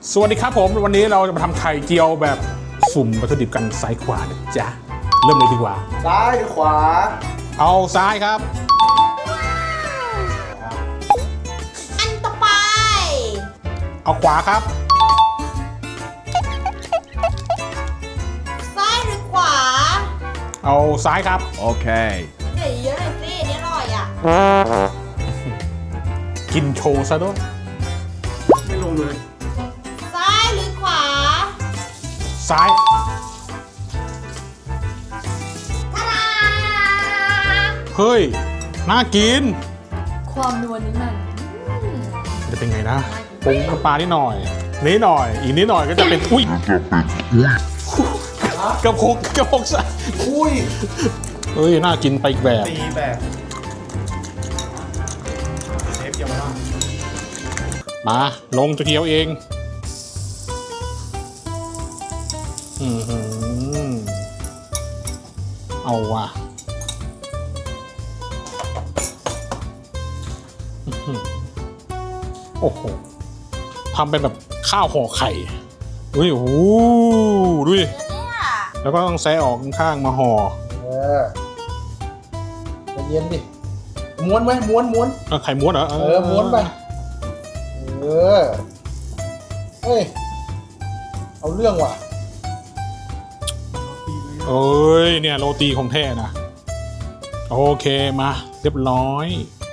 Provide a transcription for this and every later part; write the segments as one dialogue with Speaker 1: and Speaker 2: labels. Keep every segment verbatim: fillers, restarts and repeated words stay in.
Speaker 1: สวัสดีครับผมวันนี้เราจะมาทำไข่เจียวแบบสุ่มวัตถุดิบกันซ้ายขวานะจ๊ะเริ่มเลยดีกว่า
Speaker 2: ซ้ายหรือขวา
Speaker 1: เอาซ้ายครับ
Speaker 3: อันต่อไป
Speaker 1: เอาขวาครับ
Speaker 3: ซ้ายหรือขวา
Speaker 1: เอาซ้ายครับ
Speaker 4: โอเค
Speaker 3: เดี๋ยวเยอะเลยสินี่อร่อยอ่ะ
Speaker 1: กินโชว์ซะด้วย
Speaker 2: ไม่ลงเลย
Speaker 3: ซ้ายหรือขวา
Speaker 1: ซ้าย
Speaker 3: ทารา
Speaker 1: เฮ้ยน่ากิน
Speaker 3: ความนวลนี้มัน
Speaker 1: จะเป็นไงนะปรุงน้ำปลานิดหน่อยนิดหน่อยอีกนิดหน่อยก็จะเป็นอุ้ยกระพกกระพกซะ
Speaker 2: อุ้ย
Speaker 1: เฮ้ยน่ากินไปอีกแบบ
Speaker 2: ตีแบบเชฟเยาวราช
Speaker 1: มาลงจะเคี้ยวเองอืมเอาว่ะโอ้โหทำเป็นแบบข้าวห่อไข่อุ้ยโอ้โหดูดิแล้วก็ต้องแซะออกข้างๆมาห่อ
Speaker 2: เออใจเย็นดิม้วนไหมม้วนม้วน
Speaker 1: ไข่ม้วนเหรอ
Speaker 2: เออม้วนไปเออเฮ้ยเอาเรื่องว่ะ
Speaker 1: เอ้ยเนี่ยโรตีของแท้นะโอเคมาเรียบร้อย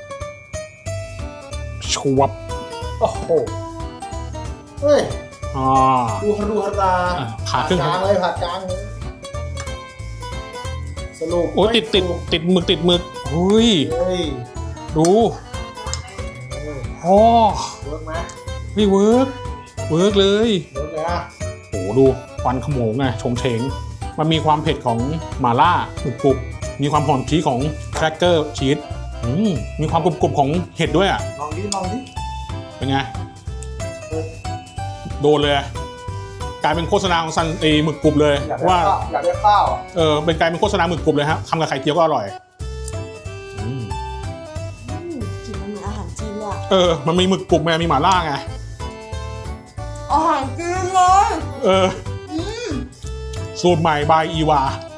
Speaker 1: ชวบ
Speaker 2: โอ้โหเฮ้ย
Speaker 1: อ่า
Speaker 2: ดูฮารูฮารา
Speaker 1: ผ่าครึ่ง
Speaker 2: กลางเลยผ่ากลางเลยสรุป
Speaker 1: โอ้ติดติดติดหมึกติดหมึกเฮ้ยดูอ๋อ
Speaker 2: เวิร์กไหม
Speaker 1: ไม่เวิร์กเวิร์กเลย
Speaker 2: เวิร์กเลยอ่ะ
Speaker 1: โอ้ดูควันขโมงไงชงเฉงมันมีความเผ็ดของหม่าล่าหมึกกรุบมีความหอมชีสของแครกเกอร์ชีสมีความกรุบๆของเห็ดด้วยอ่ะ
Speaker 2: ลองดิลองดิ
Speaker 1: เป็นไงโดนเลยกลายเป็นโฆษณาของซันเอหมึกกรุบเลยว่า
Speaker 2: อยากได้ข้าว
Speaker 1: เออเป็นกลายเป็นโฆษณาหมึกกรุบเลยฮะทำกับไข่เจียวก็อร่อย
Speaker 3: กินมันเหมือนอาหารจีนเลย
Speaker 1: เออมันมีหมึกกรุบไงมีหม่าล่าไง
Speaker 3: อาหารจีนเลย
Speaker 1: เออสูตรใหม่บายอีวา